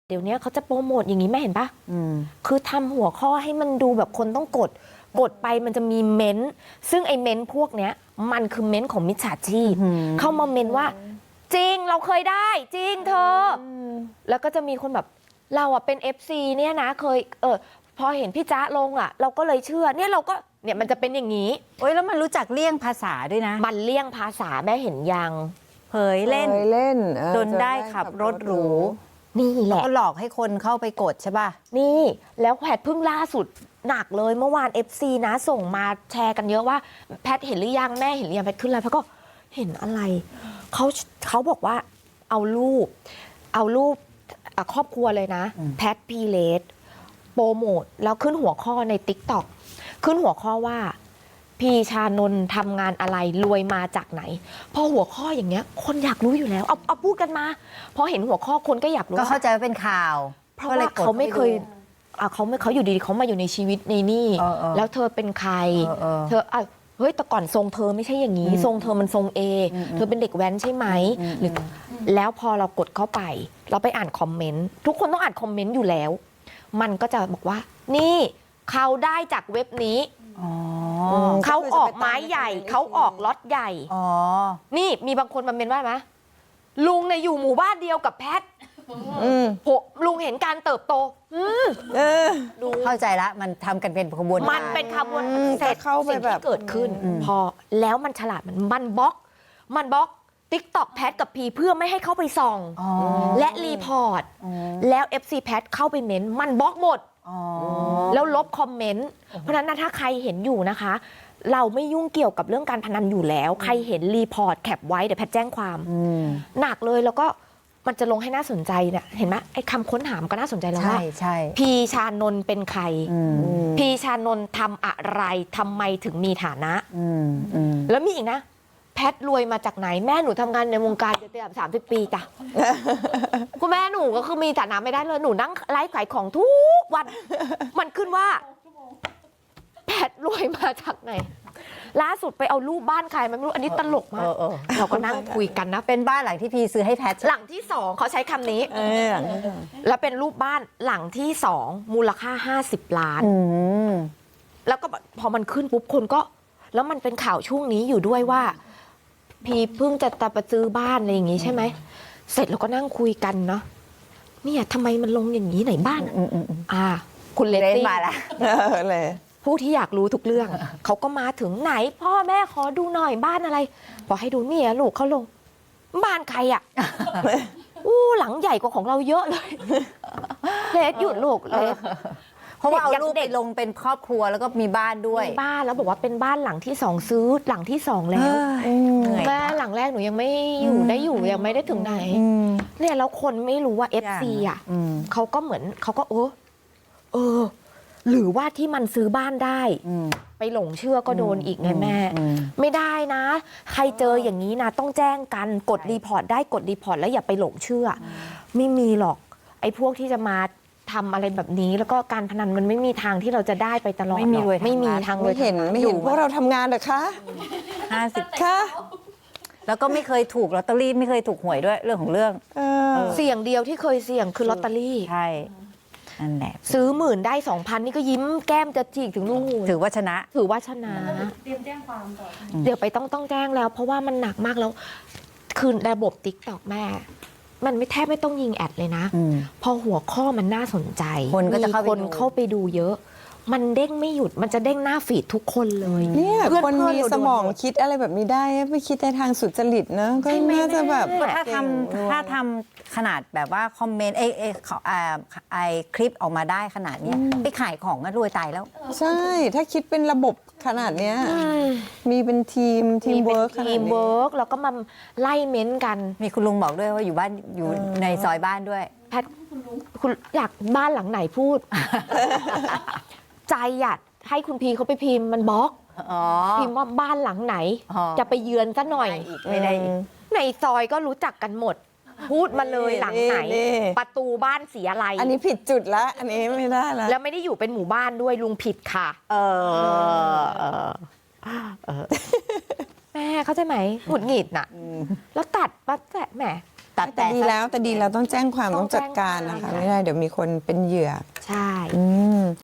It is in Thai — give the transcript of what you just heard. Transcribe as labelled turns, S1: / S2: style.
S1: เดี๋ยวนี้เขาจะโปรโมทอย่างนี้แม่เห็นปะคือทำหัวข้อให้มันดูแบบคนต้องกดไปมันจะมีเม้นต์ซึ่งไอ้เม้นต์พวกเนี้ยมันคือเม้นต์ของมิจฉาชีพเข้ามาเม้นต์ว่าจริงเราเคยได้จริงเธอแล้วก็จะมีคนแบบเราอะเป็น FC เนี่ยนะเคยพอเห็นพี่จ๊ะลงอะเราก็เลยเชื่อเนี่ยเราก็เนี่ยมันจะเป็นอย่างนี้
S2: โอ้ยแล้วมันรู้จักเลี่ยงภาษาด้วยนะ
S1: มันเลี่ยงภาษาแม่เห็นยัง
S2: เผยเล่นจนได้ขับรถหรู
S1: นี่แหละ
S2: ก็หลอกให้คนเข้าไปกดใช่ป่ะ
S1: นี่แล้วแพทเพิ่งล่าสุดหนักเลยเมื่อวาน FC นะส่งมาแชร์กันเยอะว่าแพทเห็นหรือยังแม่เห็นหรือยังแพทขึ้นไลน์แพทก็เห็นอะไรเขาบอกว่าเอารูปครอบครัวเลยนะแพทพีเลสโปรโมทแล้วขึ้นหัวข้อใน TikTok ขึ้นหัวข้อว่าพีชานนท์ทำงานอะไรรวยมาจากไหนพอหัวข้ออย่างเงี้ยคนอยากรู้อยู่แล้วเอาพูดกันมาพอเห็นหัวข้อคนก็อยากรู้
S2: ก็เข้าใจว่าเป็นข่าว
S1: เพราะว่าเขาไม่เคยเขาอยู่ดีๆเขามาอยู่ในชีวิตในนี่แล้วเธอเป็นใครเธอเฮ้ยแต่ก่อนทรงเธอไม่ใช่อย่างนี้ทรงเธอมันทรงเอเธอเป็นเด็กแว้นใช่ไหมหรือแล้วพอเรากดเข้าไปเราไปอ่านคอมเมนต์ทุกคนต้องอ่านคอมเมนต์อยู่แล้วมันก็จะบอกว่านี่เขาได้จากเว็บนี้เขาออกไม้ใหญ่เขาออกล็อตใหญ่นี่มีบางคนมาเมนว่าไหมลุงเนี่ยอยู่หมู่บ้านเดียวกับแพทลุงเห็นการเติบโต
S2: ดูเข้าใจละมันทำกันเป็นขบวน
S1: มันเป็นขบวนเสร็จสิ่งที่เกิดขึ้นพอแล้วมันฉลาดมันบล็อกTikTok แพทกับพีเพื่อไม่ให้เข้าไปส่องและรีพอร์ตแล้ว FC แพทเข้าไปเม้นมันบล็อกหมดแล้วลบคอมเมนต์เพราะฉะนั้นถ้าใครเห็นอยู่นะคะเราไม่ยุ่งเกี่ยวกับเรื่องการพนันอยู่แล้วใครเห็นรีพอร์ตแคปไว้เดี๋ยวแพทแจ้งความหนักเลยแล้วก็มันจะลงให้น่าสนใจเนี่ยเห็นไหมไอ้คำค้นหามันก็น่าสนใจแล้วว่าพีชานนท์เป็นใครพีชานนท์ทำอะไรทำไมถึงมีฐานะแล้วมีอีกนะแพทรวยมาจากไหนแม่หนูทำงานในวงการจะ30 ปีจ้ะคุณแม่หนูก็คือมีฐานะไม่ได้เลยหนูนั่งไลฟ์ขายของทุกวันมันขึ้นว่าแพทรวยมาจากไหนล่าสุดไปเอารูปบ้านใครไม่รู้อันนี้ตลกมากเราก็นั่งคุยกันนะ
S2: เป็นบ้านหลังที่พีซื้อให้แพท
S1: หลังที่2เขาใช้คำนี้แล้วเป็นรูปบ้านหลังที่2มูลค่า50 ล้านแล้วก็พอมันขึ้นปุ๊บคนก็แล้วมันเป็นข่าวช่วงนี้อยู่ด้วยว่าพีเพิ่งจะไปซื้อบ้านอะไรอย่างงี้ใช่ไหมเสร็จเราก็นั่งคุยกันเนาะเนี่ยทำไมมันลงอย่างนี้ไหนบ้านคุณเลตี้
S2: มาละ
S1: เลยผู้ที่อยากรู้ทุกเรื่องเขาก็มาถึงไหนพ่อแม่ขอดูหน่อยบ้านอะไรพอให้ดูเนี่ยลูกเขาลงบ้านใครอ่ะหลังใหญ่กว่าของเราเยอะเลยเลสหยุดลูกเลย
S2: เพราะว่าเอารูปเด็กลงเป็นครอบครัวแล้วก็มีบ้านด้วย
S1: บ้านแล้วบอกว่าเป็นบ้านหลังที่2ซื้อหลังที่2แล้วแม่หลังแรกหนูยังไม่อยู่ยังไม่ได้ถึงไหนเนี่ยแล้วคนไม่รู้ว่า FC อ่ะเขาก็เหมือนเขาก็หรือว่าที่มันซื้อบ้านได้ไปหลงเชื่อก็โดนอีกไงแม่ไม่ได้นะใครเจออย่างนี้นะต้องแจ้งกันกดรีพอร์ตได้กดรีพอร์ตแล้วอย่าไปหลงเชื่อไม่มีหรอกไอ้พวกที่จะมาทำอะไรแบบนี้แล้วก็การพนันมันไม่มีทางที่เราจะได้ไปตลอดไม่มีทางเลย
S3: ไม่เห็นพวกเราทำงานเหรอคะ
S2: 50ค่ะแล้วก็ไม่เคยถูกลอตเตอรี่ไม่เคยถูกหวยด้วยเรื่องของเรื่อง
S1: เสี่ยงเดียวที่เคยเสี่ยงคือลอตเตอรี่
S2: ใช่นั่นแหละ
S1: ซื้อ10,000ได้ 2,000นี่ก็ยิ้มแก้มจะจีกถึงนู่น
S2: ถือว่าชนะ
S1: เตรียมแจ้งความต่อเดี๋ยวไปต้องแจ้งแล้วเพราะว่ามันหนักมากแล้วคือระบบ TikTok แม่มันไม่แทบไม่ต้องยิงแอดเลยนะพอหัวข้อมันน่าสนใจ
S2: คนก็จะ
S1: เข้าไปดูเยอะมันเด้งไม่หยุดมันจะเด้งหน้าฟีดทุกคนเลย
S3: เนี่ยคนมีสมองคิดอะไรแบบนี้ได้ไม่คิดในทางสุจริตนะก็น่าจะแบบ
S2: ถ้าทำขนาดแบบว่าคอมเมนต์ไอคลิปออกมาได้ขนาดนี้ไปขายของก็รวยตายแล้ว
S3: ใช่ถ้าคิดเป็นระบบขนาดเนี้ยมีเป็นทีมเวิร์ก
S1: แล้วก็มาไล่เม้นกัน
S2: มีคุณลุงบอกด้วยว่าอยู่บ้านอยู่ในซอยบ้านด้วย
S1: แพทคุณอยากบ้านหลังไหนพูด ใจอยากให้คุณพีเขาไปพิมพ์มันบล็อกพิมพ์ว่าบ้านหลังไหนจะไปเยือนซะหน่อย
S2: ไม่ได้
S1: ในซอยก็รู้จักกันหมดพูดมาเลยหลังไหนประตูบ้านสีอะไร
S3: อันนี้ผิดจุดละอันนี้ไม่ได้ละ
S1: แล้วไม่ได้อยู่เป็นหมู่บ้านด้วยลุงผิดค่ะแม่เข้าใจไหมหงุดหงิดน่ะแล้วตัดปั๊บแหม
S3: แต่ดีแล้วต้องแจ้งความต้องจัดการนะคะ ไม่ได้เดี๋ยวมีคนเป็นเหยื่อ
S1: ใช่
S3: อืม